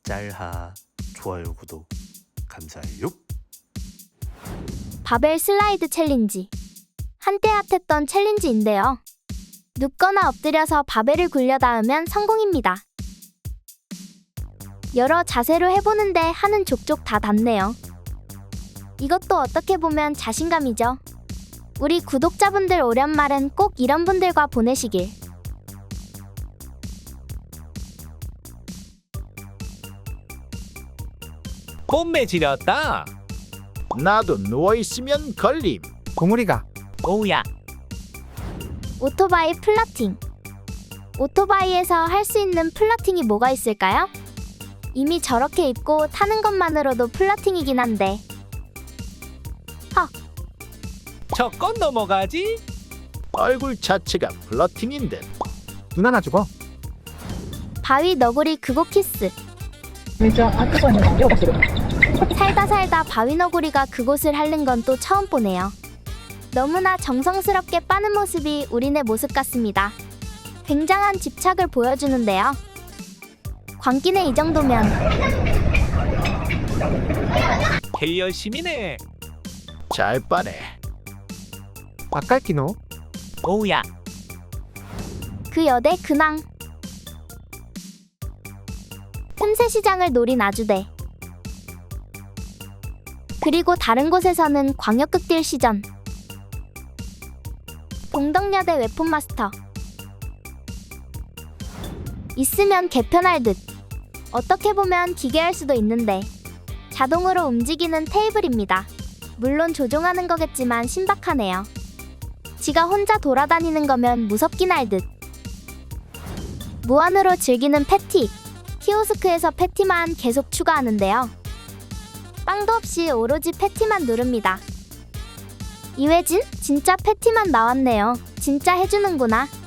짤하 좋아요 구독 감사해요. 바벨 슬라이드 챌린지. 한때 핫했던 챌린지인데요. 눕거나 엎드려서 바벨을 굴려 닿으면 성공입니다. 여러 자세로 해보는데 하는 족족 다 닿네요. 이것도 어떻게 보면 자신감이죠. 우리 구독자분들 오랜말은 꼭 이런 분들과 보내시길. 봄매 지렸다. 나도 누워있으면 걸림. 고무리가 오우야. 오토바이 플러팅. 오토바이에서 할 수 있는 플러팅이 뭐가 있을까요? 이미 저렇게 입고 타는 것만으로도 플러팅이긴 한데. 저건 넘어가지? 얼굴 자체가 플러팅인 듯. 눈 하나 주고 바위 너구리 그곳 키스. 살다 바위 너구리가 그곳을 핥는 건 또 처음 보네요. 너무나 정성스럽게 빠는 모습이 우리네 모습 같습니다. 굉장한 집착을 보여주는데요. 광기네 이 정도면. 개 열심이네. 잘 빠네. 맛깔기노 오우야. 그 여대 근황. 틈새 시장을 노린 아주대. 그리고 다른 곳에서는 광역극딜 시전. 동덕여대 웹툰마스터. 있으면 개편할 듯. 어떻게 보면 기괴할 수도 있는데 자동으로 움직이는 테이블입니다. 물론 조종하는 거겠지만 신박하네요. 지가 혼자 돌아다니는 거면 무섭긴 할 듯. 무한으로 즐기는 패티. 키오스크에서 패티만 계속 추가하는데요. 빵도 없이 오로지 패티만 누릅니다. 이회진? 진짜 패티만 나왔네요. 진짜 해주는구나.